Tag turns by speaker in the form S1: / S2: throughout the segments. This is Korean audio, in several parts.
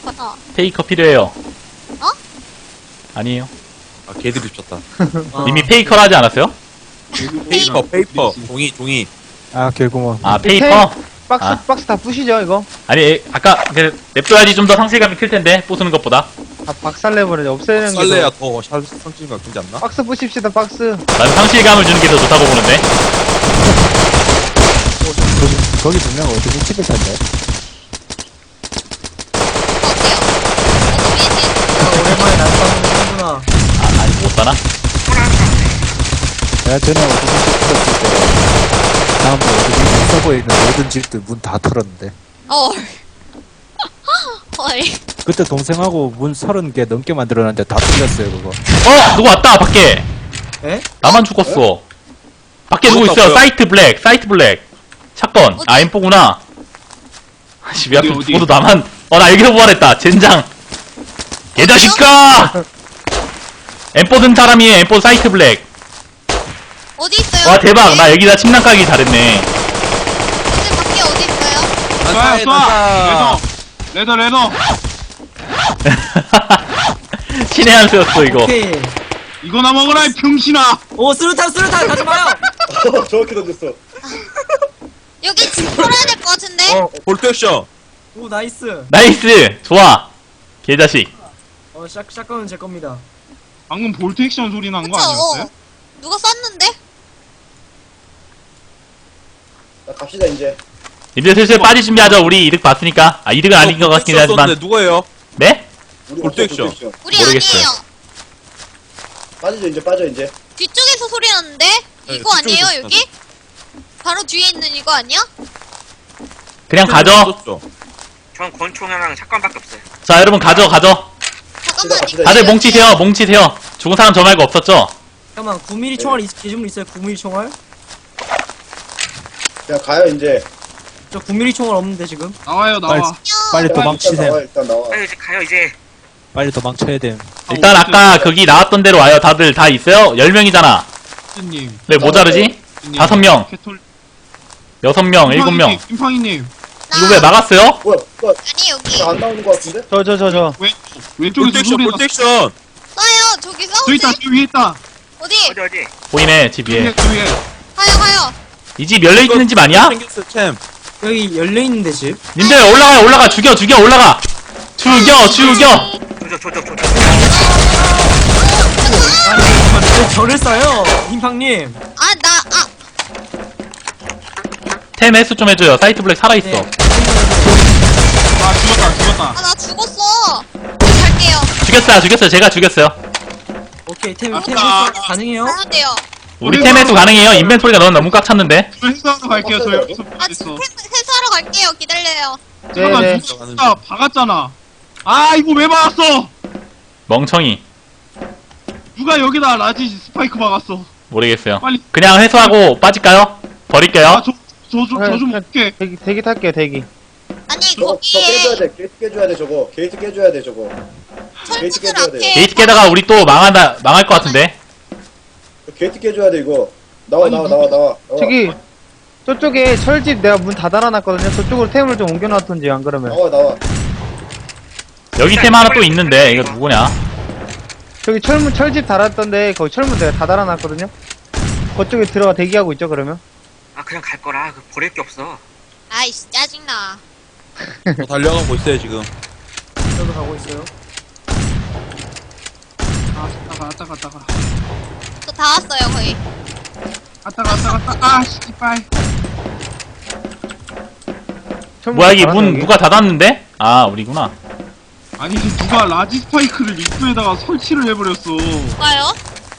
S1: 받아.
S2: 페이커 필요해요.
S1: 어?
S2: 아니에요.
S3: 아, 개들이 쳤다.
S2: 이미 페이커라 하지 않았어요?
S3: 페이퍼. 종이.
S4: 아 개구멍.
S2: 아, 페이커?
S5: 박스
S2: 아.
S5: 박스 다 부시죠 이거.
S2: 아니, 아까, 냅둬야지 좀 더 상실감이 클 텐데, 부수는 것보다.
S5: 다 박살내버려. 없애는 게.
S3: 썰레야 더 상징 같지 않나?
S5: 박스 부십시다 박스.
S2: 난 상실감을 주는 게 더 좋다고 보는데.
S4: 거기 분명 어디 집에 산대.
S1: 어때요?
S5: 오랜만에 날싸움을 하는구나.
S2: 아, 아니, 못 사나?
S4: 내가 전에 어디 집 있었을 때 다음날 어디 서버에 있는 모든 집들 문 다 털었는데.
S1: 헐. 헐.
S4: 그때 동생하고 문 30개 넘게 만들어놨는데 다 뚫렸어요 그거.
S2: 누구 왔다, 밖에.
S5: 에?
S2: 나만 죽었어. 밖에 누구
S3: 누구
S2: 있어요?
S3: 왔어요?
S2: 사이트 블랙. 사건. 아,
S1: 어디?
S2: M4구나. 아씨, 왜 하필
S6: 어디?
S2: 모두 나만. 나 여기서 부활했다. 젠장. 개자식아! M4 든 사람이에요. M4 사이트 블랙.
S1: 어디 있어요?
S2: 와, 대박.
S1: 밖에?
S2: 나 여기다 침낭 까기 잘했네.
S1: 근데 밖에 어디 있어요?
S6: 쏴! 레더!
S2: 신의 한 수였어, 이거.
S5: 오케이.
S6: 이거나 먹어라, 이 병신아!
S5: 오 수류탄 가지 마요.
S7: 정확히 던졌어.
S1: 여기 집 털어야 될 것 같은데?
S3: 볼트액션.
S5: 오 나이스.
S2: 나이스! 좋아. 개자식.
S5: 샷건은 제 겁니다.
S6: 방금 볼트 액션 소리 난 거
S1: 그쵸?
S6: 아니었어요?
S1: 누가 쐈는데?
S7: 자, 갑시다 이제.
S2: 이제 슬슬 빠질 준비하죠. 우리 이득 봤으니까. 아, 이득은 아닌 것 같긴 하지만.
S3: 누구예요?
S2: 네?
S7: 우리
S3: 볼트
S7: 없어,
S3: 액션.
S1: 우리
S2: 모르겠어요.
S1: 아니에요.
S7: 빠져 이제.
S1: 뒤쪽에서 소리 나는데?
S3: 네,
S1: 이거 아니에요,
S3: 뒤쪽에서
S1: 여기? 바로 뒤에 있는 이거 아니야?
S2: 그냥 가죠.
S8: 전 권총이랑 샷건밖에 없어요.
S2: 자, 여러분 가죠.
S1: 잠깐만.
S7: 갑시다.
S2: 다들 뭉치세요. 죽은 사람 저 말고 없었죠?
S5: 잠깐만 9mm 총알 기준으로 있어요. 9mm 총알?
S7: 그냥 가요 이제.
S5: 저 9mm 총알 없는데 지금.
S6: 나와요, 나와.
S4: 빨리
S7: 일단
S4: 도망치세요.
S7: 나와, 일단 나와.
S8: 빨리 이제 가요 이제.
S4: 빨리 도망쳐야 돼.
S2: 일단 아까 거기 나왔던 대로 와요. 다들 다 있어요? 10명이잖아.
S6: 님
S2: 왜 모자르지? 5명,
S6: 캐톨.
S2: 6명, 7명.
S6: 김팡이님,
S2: 이거 왜 막았어요?
S7: 뭐야?
S1: 아니, 여기.
S7: 안 나오는 거 같은데?
S5: 저.
S6: 왼쪽에서
S3: 볼트액션.
S6: 소리 났어.
S3: 볼트액션.
S1: 쏴요, 저기
S6: 저
S1: 싸우지?
S6: 있다, 저 위에 있다.
S1: 어디?
S8: 어디.
S2: 보이네, 집 위에.
S6: 저 위에.
S1: 가요.
S2: 이 집 열려있는 집 아니야?
S3: 생겼어, 챔.
S5: 여기 열려 있는데 집.
S2: 님들 올라가. 죽여, 올라가. 죽여.
S8: 조져.
S5: 왜 저를 쏴요, 힘팡님?
S2: 템 해수 좀 해줘요. 사이트 블랙 살아있어.
S5: 네.
S6: 아, 죽었다.
S1: 나 죽었어. 갈게요.
S2: 죽였어요. 제가 죽였어요.
S5: 오케이 템
S6: 아,
S5: 가능해요?
S1: 가면 돼요.
S2: 우리 템 해수 가능해요. 인벤토리가 너무 꽉 찼는데.
S6: 저 회사로 갈게요, 저 여기서
S1: 지금
S6: 있어.
S1: 회사하러 갈게요. 기다려요.
S6: 잠깐,
S5: 네네.
S6: 누가 박았잖아. 아, 이거 왜 박았어?
S2: 멍청이.
S6: 누가 여기다 라지 스파이크 박았어?
S2: 모르겠어요.
S6: 빨리.
S2: 그냥 회수하고 빠질까요? 버릴게요.
S6: 아, 저 좀 볼게.
S5: 대기 탈게요 대기.
S1: 아니,
S7: 저거 깨줘야
S1: 거기에
S7: 돼. 게이트 깨줘야 돼 저거. 게이트 깨줘야 돼 저거. 게이트
S1: 철문을
S7: 깨줘야 돼.
S1: 앞에.
S2: 게이트 깨다가 우리 또 망할 것 같은데.
S7: 게이트 깨줘야 돼 이거. 나와.
S5: 저기 저쪽에 철집 내가 문 다 달아놨거든요. 저쪽으로 템을 좀 옮겨놨던지 안 그러면.
S7: 나와.
S2: 여기 템 하나 또 있는데 이거 누구냐?
S5: 저기 철집 달았던데 거기 철문 내가 다 달아놨거든요. 그쪽에 들어가 대기하고 있죠 그러면.
S8: 아 그냥 갈 거라. 그 버릴 게 없어.
S1: 아이씨, 짜증나.
S3: 저 달려가고 있어요, 지금.
S5: 저도 가고 있어요.
S6: 아, 갔다가.
S1: 저 다 왔어요, 거의.
S6: 갔다. 아, 씨발.
S5: 철문
S2: 뭐야 이게
S5: 달았나,
S2: 문
S5: 여기?
S2: 누가 닫았는데? 아 우리구나.
S6: 아니, 누가 라지 스파이크를 입구에다가 설치를 해버렸어.
S1: 누가요?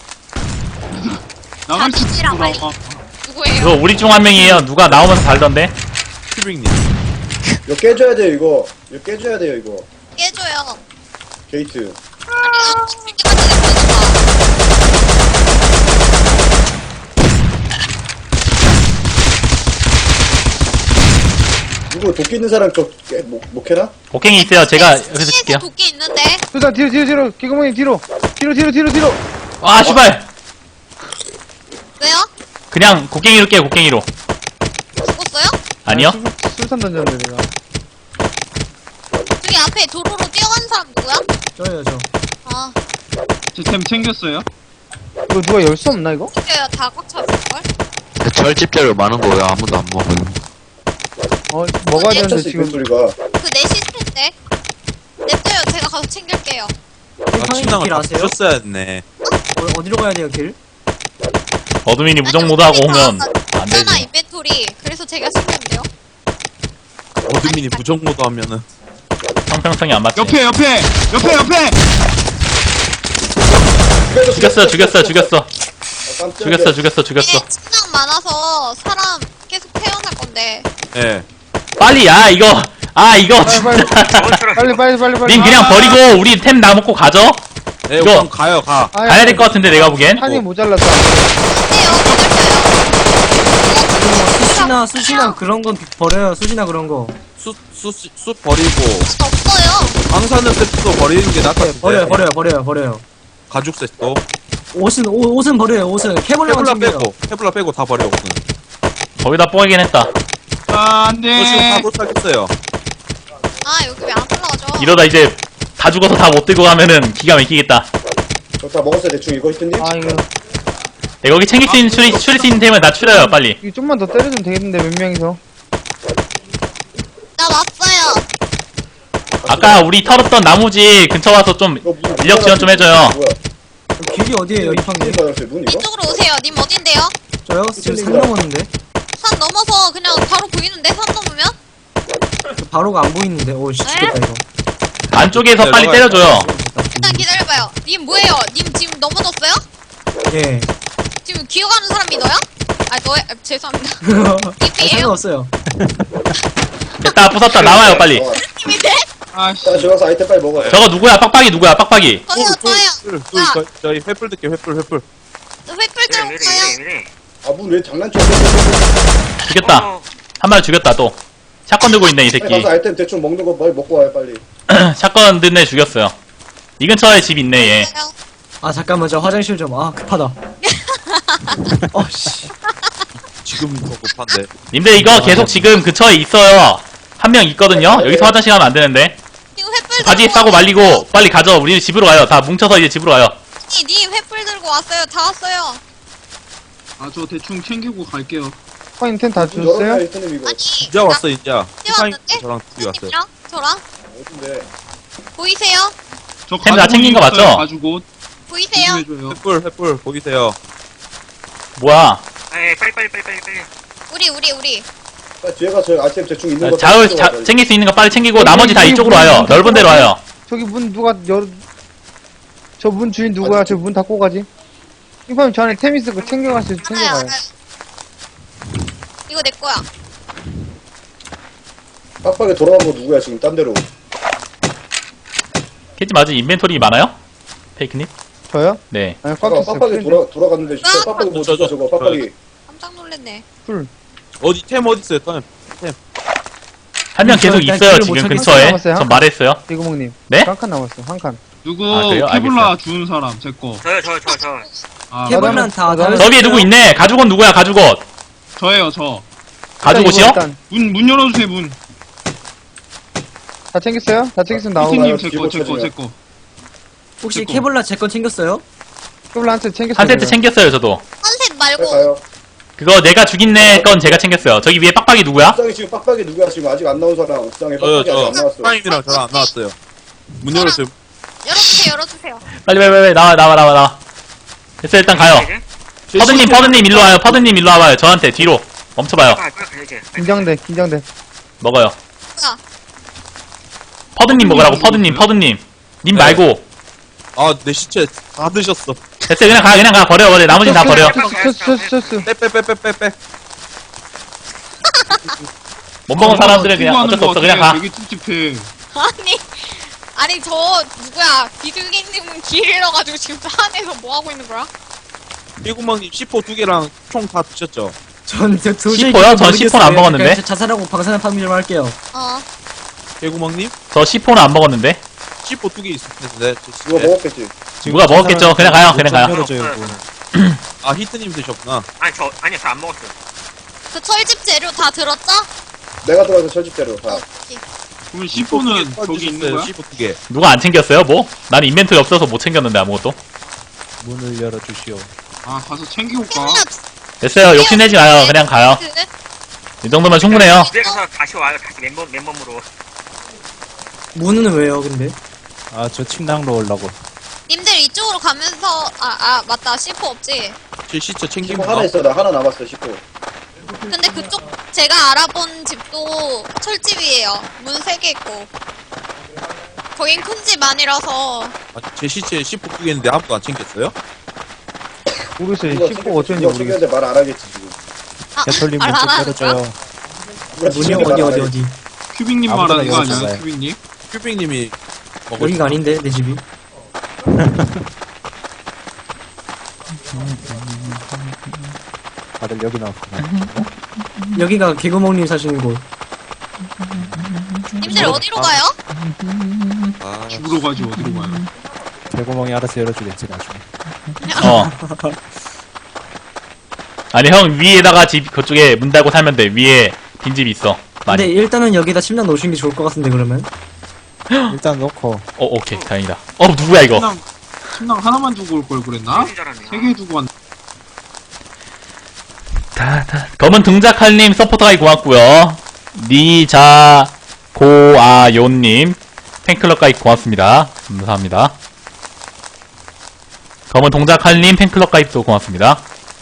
S6: 나갈 수
S1: 잡지랑 빨리.
S6: 있어.
S1: 누구예요?
S2: 이거 우리 중 한 명이에요. 누가 나오면서 달던데?
S3: 큐빅님.
S7: 이거 깨줘야 돼요 이거. 이거 깨줘야 돼요 이거.
S1: 깨줘요.
S7: 게이트.
S1: 아니, 때까지 내보내봐.
S7: 누구 도끼 있는 사람 못 캐나?
S2: 곡괭이 있어요. 제가 여기서 칠게요.
S1: 도끼 있는데.
S5: 수사 뒤로 개구멍이 뒤로.
S2: 아 씨발.
S1: 왜요?
S2: 그냥 곡괭이로 깨요. 곡괭이로.
S1: 죽었어요?
S2: 아니요?
S5: 술산 던졌는데 내가.
S1: 저기 앞에 도로로 뛰어가는 사람 누구야?
S9: 저예요, 저.
S1: 아,
S6: 제 템 챙겼어요?
S5: 이거 누가 열 수 없나 이거?
S1: 이제야 다 꽉 찼을걸?
S10: 철집 재료 많은 거 왜 아무도 안 먹어요?
S5: 먹어야 되는데
S7: 쳤어
S5: 지금
S7: 인벤토리가.
S1: 그 내 시스템인데? 냅둬요. 제가 가서 챙길게요.
S3: 아,
S9: 형님
S3: 침낭을
S9: 길
S3: 다
S9: 아세요?
S3: 부셨어야 했네.
S9: 어디로 가야 돼요, 길?
S2: 어드민이 무정 모드하고 오면 안
S1: 있잖아,
S2: 되지.
S1: 인벤토리. 그래서 제가 챙겼는데요.
S3: 어드민이 무정모드 하면은.
S2: 형평성이 안 맞지.
S6: 옆에!
S2: 죽였어.
S7: 아, 깜짝이야.
S2: 죽였어.
S1: 이게 침낭 많아서 사람 계속 태어날 건데.
S3: 예.
S2: 빨리, 이거 진짜.
S8: 저것처럼
S5: 빨리
S2: 님 그냥 버리고 우리 템 나 먹고 가죠?
S3: 네,
S2: 이거-
S3: 우선 가요, 가.
S2: 가야 될 것 같은데, 내가 보기엔.
S5: 판이 모자랐다.
S1: 어때요? 기다려요.
S9: 수시나 그런 건 버려요, 수시나 그런 거.
S3: 숯 버리고.
S1: 없어요.
S3: 방사능 세트도 버리는 게 낫다.
S9: 버려요.
S3: 가죽 세트도.
S9: 옷은 버려요, 옷은. 케블라만 챙겨요.
S3: 케블라 빼고 다 버려, 옷은.
S2: 거기다 뽀이긴 했다.
S6: 아, 안
S3: 저 지금
S6: 돼.
S3: 다 도착했어요.
S1: 아, 여기 왜 안 올라가죠?
S2: 이러다 이제 다 죽어서 다 못 들고 가면은 기가 막히겠다.
S7: 저다 먹었어요 대충 이거 히트님?
S5: 아 이거
S2: 네, 거기 챙길 수 있는, 추릴 수 있는 템을 다 추려요, 빨리.
S5: 이거 좀만 더 때려주면 되겠는데 몇 명이서.
S1: 나 왔어요.
S2: 아까 우리 털었던 나무지 근처 와서 좀
S7: 이거 무슨
S2: 인력 지원 좀 해줘요.
S7: 뭐야?
S9: 길이 어디에요, 이판님?
S7: 문 받았어요 문 이거?
S1: 이쪽으로 오세요. 님 어딘데요?
S9: 저요? 지금 산 넘었는데?
S1: 산 넘어서 그냥 바로 보이는데? 산 넘으면?
S9: 저 바로가 안 보이는데? 오, 씨, 죽겠다, 이거.
S2: 안쪽에서 빨리 때려줘요.
S1: 일단 기다려봐요. 님 뭐예요? 님 지금 넘어졌어요?
S9: 예.
S1: 지금 기어가는 사람이 너야? 아, 너야? 아, 죄송합니다.
S9: 아,
S1: 님이에요?
S9: 상관없어요.
S2: 됐다, 부쉈다, 나와요, 빨리.
S1: 님인데?
S6: 아씨.
S7: 자 저기 가서 아이템 빨리 먹어요.
S2: 저거 누구야? 빡빡이 누구야? 빡빡이.
S1: 저요. 야,
S3: 저희 횃불 뜰게, 횃불.
S1: 횃불 들고 가요.
S8: 미래.
S7: 아 문 왜 장난쳐?
S2: 죽였다. 한 마리 죽였다, 또. 샷건 들고 있네, 이
S7: 빨리
S2: 새끼.
S7: 가서 아이템 대충 먹는 거 빨리 먹고 와요 빨리.
S2: 샷건 든 애 죽였어요. 이 근처에 집 있네, 얘.
S9: 아, 잠깐만, 저 화장실 좀. 아, 급하다. 씨.
S3: 지금 더 급한데.
S2: 님들 이거 계속 지금 근처에 있어요. 한 명 있거든요? 여기서 화장실 가면 안 되는데.
S1: 지금 횃불
S2: 바지
S1: 들고
S2: 싸고
S1: 왔어요.
S2: 말리고 빨리 가죠. 우리 집으로 가요. 다 뭉쳐서 이제 집으로 가요.
S1: 님 횃불 들고 왔어요. 다 왔어요.
S6: 아, 저 대충 챙기고 갈게요.
S5: 파인 템다
S7: 문 열어놔요
S5: 주셨어요?
S7: 히트님 이거.
S1: 아니,
S3: 이제 왔어, 이제.
S1: 왔는데?
S3: 저랑 둘이 왔어요.
S1: 님이랑 저랑
S7: 어딘데?
S1: 보이세요?
S6: 저
S2: 템다 챙긴 거
S6: 가죽
S2: 맞죠?
S6: 가죽옷.
S1: 보이세요?
S6: 해줘요.
S3: 횃불, 보이세요?
S2: 뭐야.
S8: 예, 빨리.
S1: 우리.
S7: 빨리 뒤에 가서 아이템 대충 있는 거.
S2: 자울
S7: 다 가져와요.
S2: 챙길 수 있는 거 빨리 챙기고 나머지 다 이쪽으로 와요. 넓은 데로 와요.
S5: 저기 문 누가 저 문 주인 누구야? 저 문 닫고 가지. 이파님 저 안에 템 있을 거 챙겨갈 수 있어
S1: 알아요.
S5: 챙겨가요.
S1: 이거 내 거야.
S7: 빡빡이 돌아간 거 누구야 지금 딴 데로.
S2: 캐지 맞지? 인벤토리 많아요? 페이크님?
S5: 저요?
S2: 네.
S5: 아니 꽉
S7: 아까
S5: 찼어요.
S7: 빡빡이 돌아갔는데 진짜 빡빡이 뭐
S3: 저,
S7: 진짜 저거 빡빡이.
S1: 깜짝 놀랐네.
S3: 템 어디 있어요, 템?
S2: 한 명 계속
S9: 일단
S2: 있어요.
S9: 길을
S2: 지금
S9: 못
S2: 근처에.
S5: 찾겠어요.
S2: 전 말했어요.
S5: 대구멍님.
S2: 네?
S5: 한 칸 남았어 한 칸.
S6: 누구
S2: 아, 그래요?
S6: 케블라 주운 사람 제 거.
S8: 저요.
S6: 아,
S9: 케블란 다,
S5: 나도
S2: 저 위에 누구 있네. 가죽옷 누구야? 가죽옷.
S6: 저예요, 저.
S2: 가죽옷이요?
S5: 일단
S6: 문 열어주세요, 문.
S5: 다 챙겼어요? 다 챙겼으면 나오고.
S6: 피트님
S7: 뒤로
S6: 제 거.
S7: 쳐지면.
S9: 혹시
S6: 제거.
S9: 케블라 제 건 챙겼어요?
S5: 케블라 한 세트 챙겼어요.
S2: 한 세트 챙겼어요, 저도.
S1: 컨셉
S7: 빨리
S1: 말고
S7: 가요.
S2: 그거 내가 죽인 애 건 제가 챙겼어요. 저기 위에 빡빡이 누구야?
S7: 옥상에 지금 빡빡이 누구야 지금 아직 안 나온 사람 옥상에
S3: 저요,
S7: 빡빡이 아직 안 나왔어.
S3: 타임이랑 저랑 안 나왔어요. 문 열었어요.
S1: 열어주세요.
S2: 빨리 나와. 됐어, 일단 가요. 퍼드님 일로 와요. 퍼드님 일로 와봐요. 저한테 뒤로 멈춰봐요.
S8: 가야지.
S5: 긴장돼.
S2: 먹어요.
S1: 뭐야?
S2: 퍼드님 먹으라고. 퍼드님. 님 말고.
S3: 아, 내 시체 다 드셨어.
S2: 됐어, 그냥 가. 버려. 나머진 다 버려.
S5: 스스.
S3: 빼.
S2: 못 먹은 사람들은 그냥 어쩔 수 없어. 그냥 가.
S6: 되게 찝찝해.
S1: 아니 저 누구야? 비둘기님은 길 잃어가지고 지금 산에서 뭐 하고 있는 거야?
S3: 일구멍님 C4 2개랑 총 다 드셨죠?
S9: 전 도저히
S2: C4요? 전
S9: 모르겠어요.
S2: C4는 안 먹었는데?
S9: 그러니까 자살하고 방사능 파밍 좀 할게요.
S3: 일구멍님
S2: 저 C4는 안 먹었는데.
S3: C4 2개 있을 텐데.
S7: 이거 먹었겠지.
S2: 누가 먹었겠죠. 그냥 가요.
S3: 아, 히트님 드셨구나.
S8: 아니요, 저 안 먹었어요.
S1: 그 철집 재료 다 들었죠?
S7: 내가 들어가서 철집대로 다.
S1: 오케이.
S6: 그러면 C4는 저기 있는 거야?
S3: C4 2개.
S2: 누가 안 챙겼어요, 뭐? 나는 인벤토리 없어서 못 챙겼는데, 아무것도.
S4: 문을 열어주시오.
S6: 아 가서 챙겨올까?
S2: 됐어요. 욕심내지 마요. 그냥 가요. 이 정도면 충분해요.
S8: 집에 가서 다시 와요. 다시 맨몸으로.
S9: 문은 왜요, 근데?
S4: 아, 저 침낭로 올라고.
S1: 님들 이쪽으로 가면서 맞다 C4 없지.
S3: 제 시체 챙기고
S7: C4 하나 있어. 나 하나 남았어, C4.
S1: 근데 그쪽 제가 알아본 집도 철집이에요. 문 3개 있고. 거긴 큰 집 아니라서.
S3: 제 시체에 C4 2개 있는데 아무도 안 챙겼어요?
S5: 모르겠어요.
S7: 이거
S5: 10호 어쩐지
S7: 이거
S5: 모르겠어요.
S7: 챙겼는데 말 안 하겠지, 지금.
S4: 개털님
S1: 말
S4: 문좀
S1: 안 하는 거야?
S4: 열어줘요.
S9: 문이 어디?
S6: 큐빅님
S4: 아무데나
S6: 말하는 거 아니야?
S4: 열어줘봐요.
S6: 큐빅님?
S3: 큐빅님이
S9: 여기가 아닌데, 내 집이.
S4: 다들 여기 나왔구나.
S9: 여기가 개구멍님 사시는 곳.
S1: 님들 어디로 가요?
S3: 아,
S6: 집으로 가지 어디로 가요?
S4: 개구멍이 알아서 열어주겠지, 나중에.
S2: 어. 아니, 형, 위에다가 집, 그쪽에 문 닫고 살면 돼. 위에 빈집이 있어.
S9: 근데
S2: 많이.
S9: 일단은 여기다 침낭 놓으시는 게 좋을 것 같은데, 그러면?
S4: 일단 놓고.
S2: 오케이. 다행이다. 누구야, 이거?
S6: 침낭 하나만 두고 올 걸 그랬나?
S8: 줄 알았네.
S6: 3개 두고 왔.
S2: 검은 등작할님 서포터가이 고맙고요. 니자고아요님 팬클럽가이 고맙습니다. 감사합니다. 검은 동작할님 팬클럽 가입도 고맙습니다.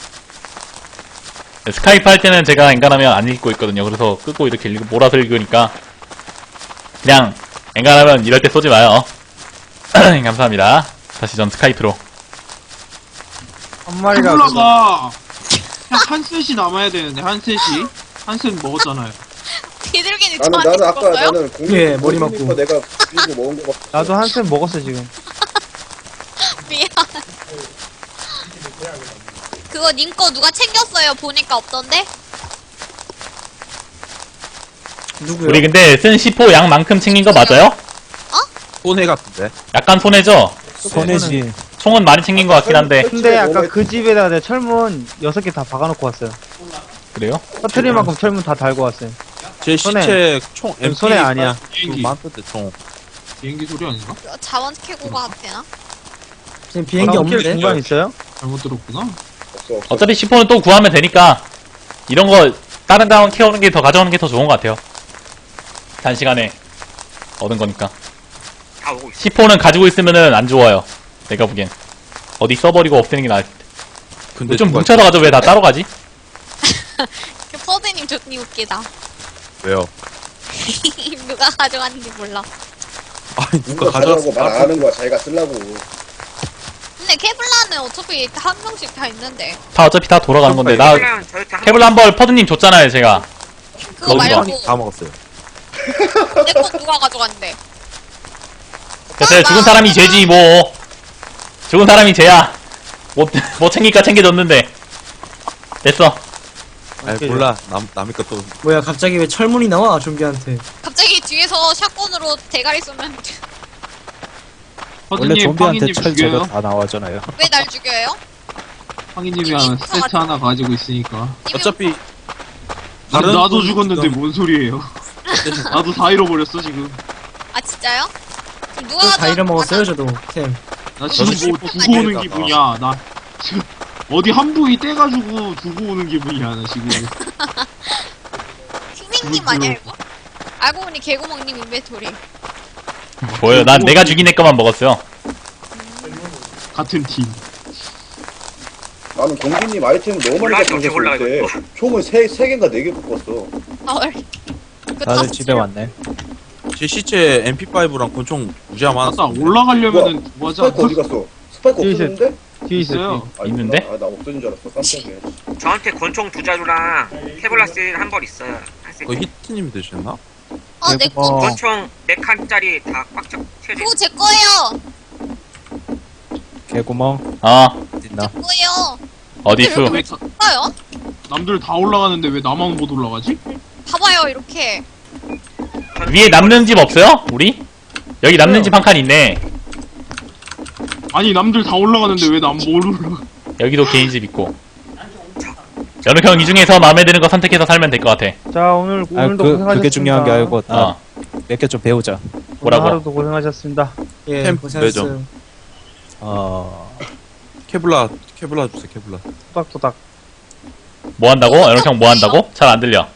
S2: 네, 스카이프 할 때는 제가 엔간하면 안 읽고 있거든요. 그래서 끄고 이렇게 몰아서 읽으니까 그냥 엔간하면 이럴 때 쏘지 마요. 감사합니다. 다시 전 스카이프로.
S5: 한 마리가
S6: 콜라가 한 셋이 남아야 되는데 한 셋이 한 셋 먹었잖아요.
S1: 비둘기님
S7: 나는
S1: 저한테
S7: 아까
S1: 죽었어요?
S7: 나는 공룡
S9: 예, 머리 맞고.
S7: 공룡 거 내가 비고 먹은 거 같아.
S5: 나도 한쌤 먹었어 지금.
S1: 미안. 그거 님 거 누가 챙겼어요? 보니까 없던데?
S9: 누구요?
S2: 우리 근데 쓴 C4 양만큼 챙긴 거 맞아요?
S3: 손해 같은데.
S2: 약간 손해죠?
S4: 손해지.
S2: 총은 많이 챙긴 것 같긴 한데.
S5: 근데 아까 그 집에다가 내가 철문 6개 다 박아놓고 왔어요.
S2: 그래요?
S5: 터트릴 만큼 철문 다 달고 왔어요.
S3: 제
S5: 손해.
S3: 시체 총 MP
S5: 손해 아니야.
S6: 비행기
S3: 많던데 총.
S6: 비행기 소리 아닌가?
S1: 자원 캐고 가도 되나?
S9: 지금 비행기 없는데?
S5: 중간 있어요?
S6: 잘못 들었구나.
S7: 없어 없어.
S2: 어차피 C4는 또 구하면 되니까 이런 거 다른 자원 캐오는 게 더 가져오는 게 더 좋은 것 같아요. 단시간에 얻은 거니까.
S8: 다 오고 있어.
S2: C4는 가지고 있으면은 안 좋아요. 내가 보기엔. 어디 써버리고 없애는 게 나을 텐데.
S3: 근데
S2: 좀
S3: 누가-
S2: 뭉쳐서 가져. 왜 다 따로 가지?
S1: 그 퍼드님 좋니 웃기다.
S3: 왜요?
S1: 누가 가져갔는지 몰라.
S3: 아니
S7: 누가
S3: 누가
S7: 가져가고 말 안
S3: 가져왔어?
S7: 하는 거야. 자기가 쓰려고.
S1: 근데 케블라는 어차피 한 명씩 다 있는데.
S2: 다 어차피 다 돌아가는 건데. 나
S8: 케블라는 저렇게 한
S2: 케블라 한 벌 퍼드님 줬잖아요, 제가.
S1: 그거
S2: 어디가?
S1: 말고
S3: 다 먹었어요.
S1: 내 거 누가 가져갔는데?
S2: 그래서 죽은 사람이 죄지, 뭐. 죽은 사람이 죄야. 못 챙기니까 챙겨줬는데. 됐어.
S3: 아니 몰라. 남의 것도
S9: 뭐야, 갑자기 왜 철문이 나와, 좀비한테.
S1: 갑자기 뒤에서 샷건으로 대가리 쏘면
S4: 원래
S6: 허드님
S4: 좀비한테
S6: 팡이님
S4: 철
S6: 죽여요?
S4: 제거 다 나와잖아요.
S1: 왜 날 죽여요?
S6: 팡이님이 하나 세트 하나 가지고 있으니까.
S3: 어차피
S6: 나도
S3: 분
S6: 죽었는데
S3: 지금-
S6: 뭔 소리예요? 나도 다 잃어버렸어 지금.
S1: 아 진짜요? 그럼 누가
S9: 다
S1: 가져갔-
S9: 잃어먹었어요, 저도. 템.
S6: 나 지금
S3: 저도
S6: 뭐
S3: 씹고
S6: 두고 오는
S3: 다니다가.
S6: 기분이야. 나 지금 어디 한 부위 떼가지고 두고 오는 기분이야 나 지금.
S1: 킹링님 아니야 이거? 알고 보니 개구멍님 인벤토리.
S2: 뭐예요? 난 내가 죽인 애 거만 먹었어요.
S6: 같은 팀.
S7: 나는 공기님 아이템 너무 많이
S8: 올라가기
S7: 갖고
S8: 어떻게 올라가,
S7: 있을 때
S8: 이거.
S7: 총을 3개인가 4개 갖고 왔어.
S1: 헐. 그
S4: 다들
S1: 다섯
S4: 집에 왔네.
S3: 제 시체 MP5랑 권총 무지하
S6: 맞다
S3: 많았어.
S6: 올라가려면은 뭐 하자.
S7: 스파이크 어디 갔어? 스파이크
S5: 뒤에
S7: 없었는데?
S5: 뒤에 있어요.
S6: 있어요.
S7: 아,
S2: 있는데?
S7: 있구나. 아, 나 없어진 줄 알았어. 깜짝이야.
S8: 저한테 권총 2자루랑 케블라스 한 벌 있어요. 한 세트.
S3: 그 히트님이 드셨나?
S1: 어, 내 거.
S4: 개구멍.
S8: 권총 4칸짜리 다 꽉 채워져
S1: 그거 제 거예요.
S4: 개구멍.
S2: 제
S4: 있나?
S1: 거예요.
S2: 어디수?
S6: 왜 다-
S1: 봐요.
S6: 남들 다 올라가는데 왜 나만 못 올라가지?
S1: 봐봐요 이렇게.
S2: 위에 남는 집 없어요? 우리? 여기 남는 집 한 칸 있네.
S6: 아니 남들 다 올라가는데 왜 난 못 올라가?
S2: 여기도 개인 집 있고. 연욱 형 이 중에서 마음에 드는 거 선택해서 살면 될 것 같아.
S5: 자 오늘
S4: 아,
S5: 오늘도
S4: 그게
S5: 고생하셨습니다.
S4: 중요한 게 아니고,
S2: 어.
S4: 몇 개 좀 배우자.
S2: 뭐라고?
S5: 오늘 하루도 고생하셨습니다.
S9: 예,
S3: 템
S9: 고생하셨어요.
S3: 케블라 주세요, 케블라.
S5: 토닥토닥.
S2: 뭐 한다고? 연옥형 뭐 한다고? 잘 안 들려.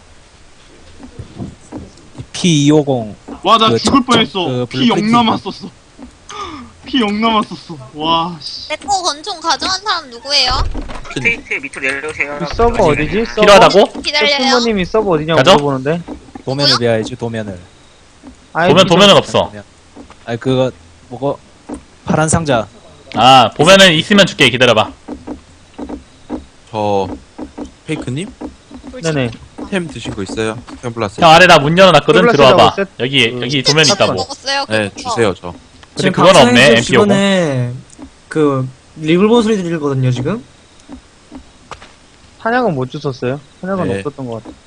S4: P250
S6: 와, 나
S4: 그
S6: 죽을
S4: 적-
S6: 뻔했어.
S4: 그
S6: 피 0
S4: 블루프린트.
S6: 남았었어. 피 0 남았었어. 와, 씨.
S1: 내거 권총 가져간 사람 누구예요?
S8: 밑에 밑으로 내려오세요.
S5: 이 서버 어디지? 서버?
S2: 필요하다고?
S1: 기다려요.
S5: 부모님이 서버 어디냐고
S2: 가져?
S5: 물어보는데.
S4: 도면을 배워야지 도면을.
S2: 도면은 없어.
S4: 아니 그거 뭐고 파란 상자.
S2: 아, 보면은 있으면 줄게. 기다려봐.
S3: 저 페이크님
S5: 네네.
S3: 템 드신 거 있어요? 케블라스.
S2: 형 아래 나 문 열어놨거든.
S5: 콜라스라고
S2: 들어와봐.
S5: 셋-
S2: 여기 도면
S1: 셋
S2: 있다고.
S1: 먹었어요.
S3: 네,
S1: 그거.
S3: 주세요 저.
S2: 근데 그건 없네.
S9: 박사님
S2: MP50.
S9: 주변에 그 리블본 소리 들리거든요 지금.
S5: 탄약은 못 주셨어요? 탄약은
S3: 네.
S5: 없었던 것 같아.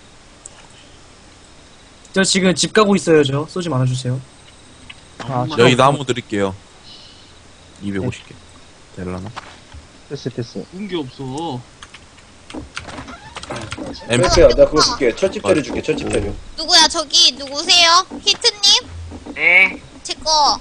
S9: 저 지금 집 가고 있어요. 저 쏘지 말아주세요.
S5: 아,
S3: 여기 나무 드릴게요. 250개. 될라나?
S5: 됐어.
S6: 운게 없어.
S7: 엠프야, 내가 그거 줄게. 철집 재료 줄게, 철집 재료.
S1: 누구야 저기 누구세요? 히트님?
S8: 네.
S1: 제거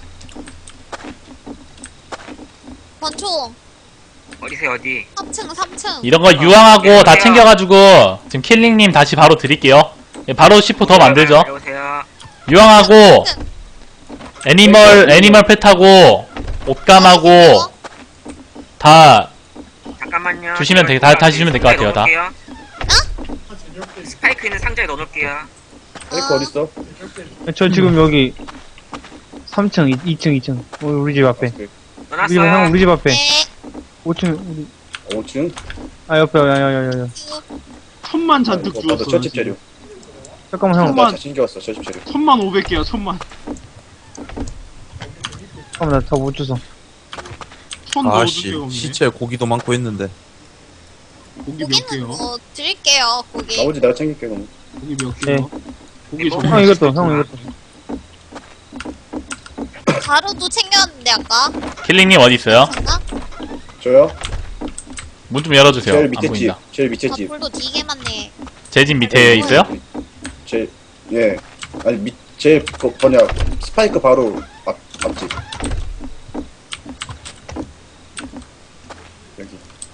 S1: 권총
S8: 어디세요 어디?
S1: 3층
S2: 이런 거 유황하고 다 챙겨가지고 지금 킬링님 다시 바로 드릴게요. 예, 바로 C4 더 만들죠.
S8: 내려오세요.
S2: 유황하고 애니멀 펫하고 옷감하고 다
S8: 잠깐만요.
S2: 주시면
S8: 제가
S2: 다 주시면 될것 같아요, 다.
S8: 넣어놓을게요. 스파이크 있는 상자에 넣어놓을게요.
S7: 페이크 어딨어?
S5: 저 지금 여기 3층, 2층. 우리 집 앞에.
S8: 넣어놨어요.
S5: 우리 집 앞에.
S1: 네.
S5: 5층, 우리.
S7: 5층?
S5: 아, 옆에, 야.
S6: 천만 잔뜩
S7: 이거 봐도
S6: 주웠어.
S7: 철집 재료.
S5: 잠깐만, 형.
S7: 나 챙겨왔어, 철집 재료.
S6: 1500개야, 1000만.
S5: 잠깐만, 나 다 못 주워.
S6: 손 넣어줄
S3: 아씨,
S6: 데가 없네.
S3: 시체 고기도 많고 했는데.
S6: 고기 몇
S1: 고기는
S6: 개요?
S1: 뭐 드릴게요. 고기.
S7: 나머지 내가 챙길게, 그럼.
S6: 고기 몇
S5: 네.
S6: 개요? 고기 좀.
S5: 형, 이것도.
S1: 가루도 챙겼는데 아까.
S2: 킬링님 어디 있어요?
S1: 잠깐.
S7: 저요?
S2: 문 좀 열어주세요.
S7: 제일
S2: 안
S7: 밑에 집.
S2: 보인다.
S7: 제일 밑에 집.
S1: 불도 되게 많네.
S2: 제 집 밑에 있어요?
S7: 예. 아니, 스파이크 바로 앞집. 여기.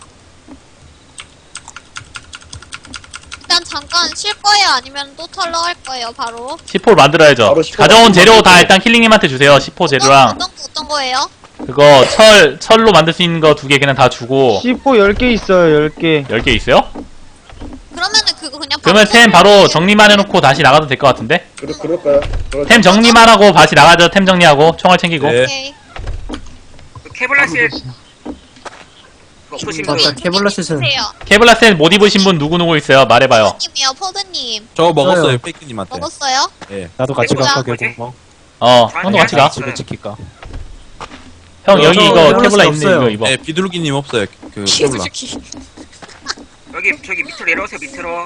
S1: 일단 잠깐 쉴 거예요? 아니면 또 털러 할 거예요? 바로?
S2: C4를 만들어야죠.
S7: 바로 C4
S2: 가져온 재료 다 일단 킬링님한테 주세요. C4 재료랑
S1: 어떤 거예요?
S2: 그거 철로 만들 수 있는 거 2개 그냥 다 주고
S5: C4 10개 있어요, 10개.
S2: 10개 있어요?
S1: 그러면은 그거 그냥
S2: 그러면 템 바로 정리만 해놓고 다시 나가도 될 것 같은데?
S7: 그럴까요?
S2: 템 정리만 하고 다시 나가죠. 템 정리하고 총알 챙기고.
S3: 네.
S1: 오케이.
S8: 그 케블라실 없으신 분.
S9: 맞다. 케블라셋은
S1: 주세요.
S2: 케블라셀 못 입으신 분 누구 있어요? 말해봐요.
S1: 포드님이요, 포드님.
S3: 저거 먹었어요,
S9: 저요.
S3: 페이크님한테.
S1: 먹었어요?
S4: 나도 같이
S8: 뭐야?
S4: 갈까
S8: 뭐지?
S4: 결국
S2: 형도 같이 가.
S4: 집에 지킬까?
S2: 형 여기
S9: 저
S2: 이거
S9: 케블라셀
S2: 케블라 있네.
S9: 없어요.
S2: 이거 입어.
S3: 네, 비둘기님 없어요, 그 케블라.
S8: 여기 저기 밑으로 내려오세요 밑으로.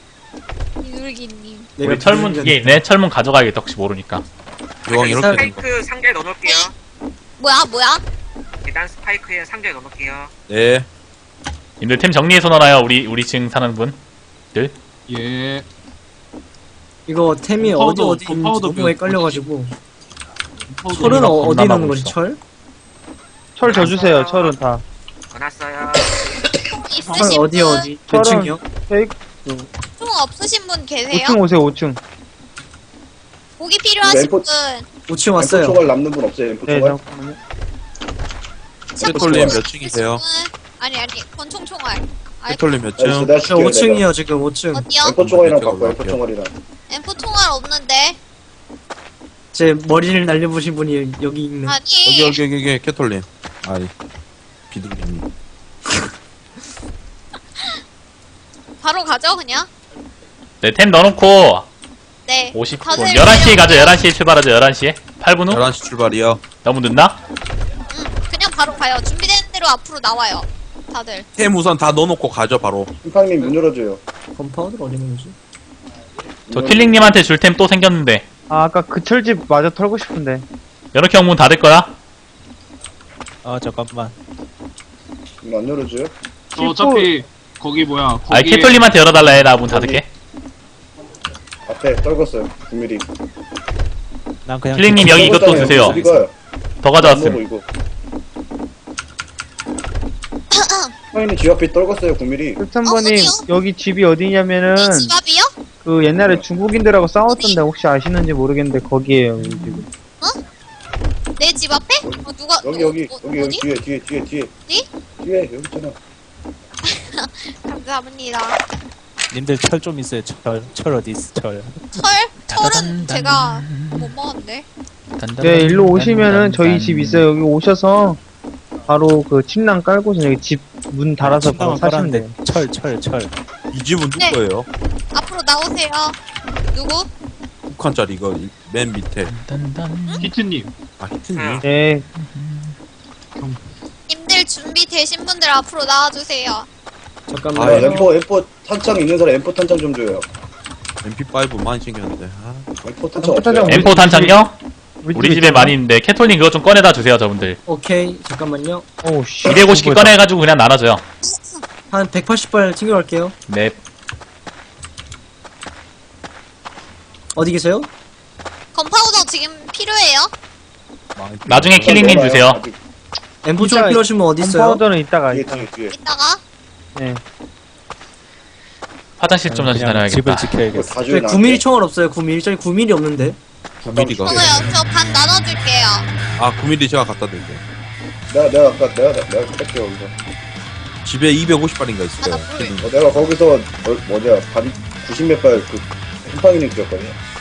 S1: 이율기님.
S2: 우리 철문 2개 있네. 철문 가져가야겠다. 혹시 모르니까.
S3: 요왕 이렇게 된 거.
S8: 스파이크 상자에 넣어놓을게요.
S1: 뭐야?
S8: 일단 스파이크에 상자에 넣어놓을게요.
S3: 네.
S2: 님들 템 정리해서 넣어놔요. 우리 층 사는 분.
S6: 예.
S9: 이거 템이
S6: 파우더,
S9: 어디 있는지
S6: 파우더
S9: 너무 헷갈려가지고.
S6: 파우더.
S9: 철은
S2: 겁나
S9: 어디
S2: 많고
S9: 넣는 거지?
S2: 있어.
S9: 철?
S5: 철 저 주세요, 철은 다.
S8: 넣어놨어요.
S1: 총
S9: 철
S1: 있으신
S9: 어디
S1: 분?
S9: 어디? 몇
S5: 철은-
S9: 층이요?
S1: 총 없으신 분 계세요?
S5: 5층 오세요, 5층.
S1: 고기 필요하신 분?
S9: 5층 왔어요.
S7: 엠포 총알 남는 분 없어요, 엠포
S5: 네,
S7: 총알?
S5: 잠깐만요.
S3: 페톨님 몇
S1: 있으신
S3: 층이세요?
S1: 분? 아니, 권총 총알.
S3: 페톨님 몇
S7: 알겠어,
S3: 층?
S7: 내가
S9: 저
S7: 줄게요, 내가.
S9: 5층이요 지금 5층.
S1: 어디요?
S7: 엠포 총알이랑
S3: 이쪽으로
S7: 바꿔, 엠포
S3: 갈게요.
S7: 총알이랑.
S1: 엠포 총알 없는데?
S9: 제 머리를 날려보신 분이 여기 있네.
S1: 아니.
S3: 여기, 캐톨님. 아이, 비둘기님.
S1: 바로 가죠, 그냥?
S2: 네, 템 넣어놓고
S1: 네.
S2: 50분.
S1: 다들
S2: 11시에 가죠. 11시에 출발하죠. 11시에. 8분 후?
S3: 11시 출발이요.
S2: 너무 늦나?
S1: 그냥 바로 가요. 준비된 대로 앞으로 나와요. 다들.
S3: 템 우선 다 넣어놓고 가죠, 바로.
S7: 흰팡님 문 열어줘요.
S9: 건파우더를 어디 넣는 거지?
S2: 저 킬링님한테 줄 템 또 생겼는데.
S5: 아, 아까 그 철집 마저 털고 싶은데.
S2: 연옥 형 문 닫을 거야?
S4: 잠깐만.
S7: 문 안 열어줘요?
S6: 저 어차피 거기 뭐야?
S2: 아니,
S6: 거기에
S2: 캐톨님한테 열어달라 해. 나 문 닫을게.
S7: 앞에 떨궜어요, 9mm.
S4: 난 그냥
S2: 힐링님 여기 이것도
S7: 먹었잖아요.
S2: 드세요.
S7: 이거요.
S2: 더
S7: 안 먹어
S2: 가져왔음.
S7: 이거. 형님 집 앞에 떨궜어요 9mm.
S5: 끝선번님
S1: 어디요?
S5: 여기 집이 어디냐면은
S1: 이 집 앞이요?
S5: 그 옛날에 중국인들하고 싸웠던데 혹시 아시는지 모르겠는데 거기에요 이 집은.
S1: 내 집 앞에? 누가
S7: 여기
S1: 어디?
S7: 뒤에
S1: 어디?
S7: 뒤에 여기 있잖아.
S1: 감사합니다.
S4: 님들 철 좀 있어요. 철 어디 있어? 철.
S1: 철은 제가 못 먹었는데.
S5: 네 일로 오시면은 저희 집 있어요. 여기 오셔서 바로 그 침낭 깔고서 여기 집 문 달아서 바로
S4: 침낭을
S5: 사시면 돼요.
S4: 깔았는데 철.
S3: 이 집은 누구
S1: 네.
S3: 거예요?
S1: 앞으로 나오세요. 누구?
S3: 6칸짜리 이거 맨 밑에.
S6: 히트님.
S3: 아 히트님.
S5: 네
S1: 님들 준비되신 분들 앞으로 나와주세요.
S7: 아
S9: 잠깐만요.
S7: M4 탄창 있는 사람 M4 탄창 좀 줘요.
S3: MP5 많이 챙겼는데. 아,
S7: M4 탄창
S5: M4 탄창
S7: 없어요.
S2: M4 탄창요? 우리
S5: 집에
S2: 집에 많이 있는데 캐톨님 그거 좀 꺼내다 주세요 저분들.
S9: 오케이. 잠깐만요.
S5: 오우 씨
S2: 250개 꺼내가지고 그냥 나눠줘요.
S9: 한 180발 챙겨갈게요.
S2: 네.
S9: 어디 계세요?
S1: 건파우더 지금 필요해요?
S2: 나중에 킬링님 주세요.
S7: 아직
S9: M4 쪽
S5: 진짜
S9: 필요하시면 어디 있어요?
S5: 컴파우더는 이따가
S7: 뒤에.
S1: 이따가
S5: 네
S2: 화장실 좀 다시
S4: 그냥
S2: 다녀야겠다.
S4: 집을 지켜야겠어.
S7: 다
S9: 저희
S7: 줘요.
S9: 9mm 총알 없어요. 9mm. 저희 9mm 없는데.
S3: 9mm가.
S1: 저거요. 저 반 나눠줄게요.
S3: 아 9mm 제가 갖다 드릴게요.
S7: 내가 아까 내가 뺄게요 여기서.
S3: 집에 250발인가 있어요.
S1: 하나 불.
S7: 내가 거기서 뭐냐 반 90몇 발 그 햄팡이님 드렸거든요.